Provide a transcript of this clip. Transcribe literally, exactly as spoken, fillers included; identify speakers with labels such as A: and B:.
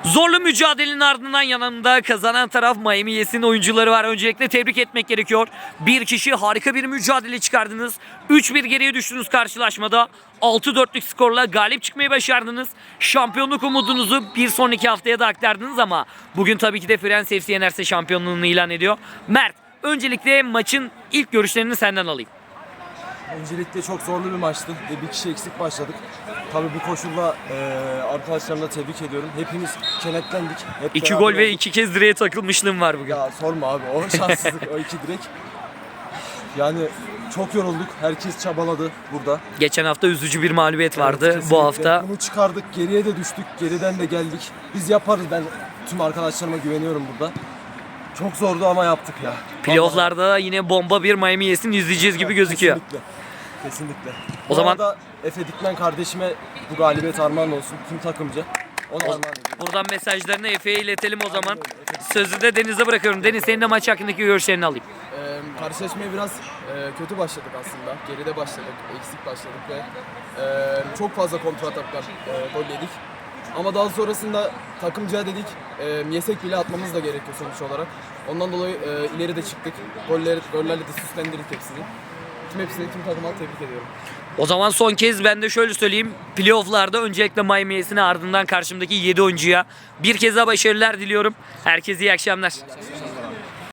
A: Zorlu mücadelenin ardından yanımda kazanan taraf Miami Yes'in oyuncuları var. Öncelikle tebrik etmek gerekiyor. Bir kişi harika bir mücadele çıkardınız. üç bir geriye düştünüz karşılaşmada. altı dörtlük skorla galip çıkmayı başardınız. Şampiyonluk umudunuzu bir sonraki haftaya da aktardınız ama bugün tabii ki de Friends F C yenerse şampiyonluğunu ilan ediyor. Mert, öncelikle maçın ilk görüşlerini senden alayım.
B: Öncelikle çok zorlu bir maçtı ve bir kişi eksik başladık. Tabii bu koşulla e, arkadaşlarımla tebrik ediyorum. Hepimiz kenetlendik. Hep
A: İki
B: beraber
A: gol ve
B: olduk.
A: iki kez direğe takılmışlığım var bugün.
B: Ya sorma abi, o şanssızlık, o iki direk. Yani çok yorulduk. Herkes çabaladı burada.
A: Geçen hafta üzücü bir mağlubiyet vardı.
B: Evet,
A: Bu
B: kesinlikle.
A: hafta
B: Bunu çıkardık, geriye de düştük, geriden de geldik. Biz yaparız, ben tüm arkadaşlarıma güveniyorum burada. Çok zordu ama yaptık ya.
A: playoff'larda yine bomba bir Miami Yes'in izleyeceğiz gibi gözüküyor.
B: Kesinlikle. Kesinlikle.
A: O
B: Bu
A: zaman-
B: arada Efe Dikmen kardeşime bu galibiyet armağan olsun. Tüm takımca. Ona armağan ediyorum.
A: Buradan mesajlarını Efe'ye iletelim o zaman. Sözü de Deniz'e bırakıyorum. Deniz, senin de maç hakkındaki görüşlerini alayım.
C: Ee, karşılaşmaya biraz e, kötü başladık aslında. Geride başladık, eksik başladık ve e, çok fazla kontra ataklar e, gol yedik. Ama daha sonrasında takımca dedik, e, yesek bile atmamız da gerekiyor sonuç olarak. Ondan dolayı e, ileri de çıktık. Goller, gollerle de süslendirdik hepsini. Tüm hepsini, tüm takıma tebrik ediyorum.
A: O zaman son kez ben de şöyle söyleyeyim. Playoff'larda öncelikle Miami Yes'ine, ardından karşımdaki yedi oyuncuya bir kez daha başarılar diliyorum. Herkese iyi akşamlar.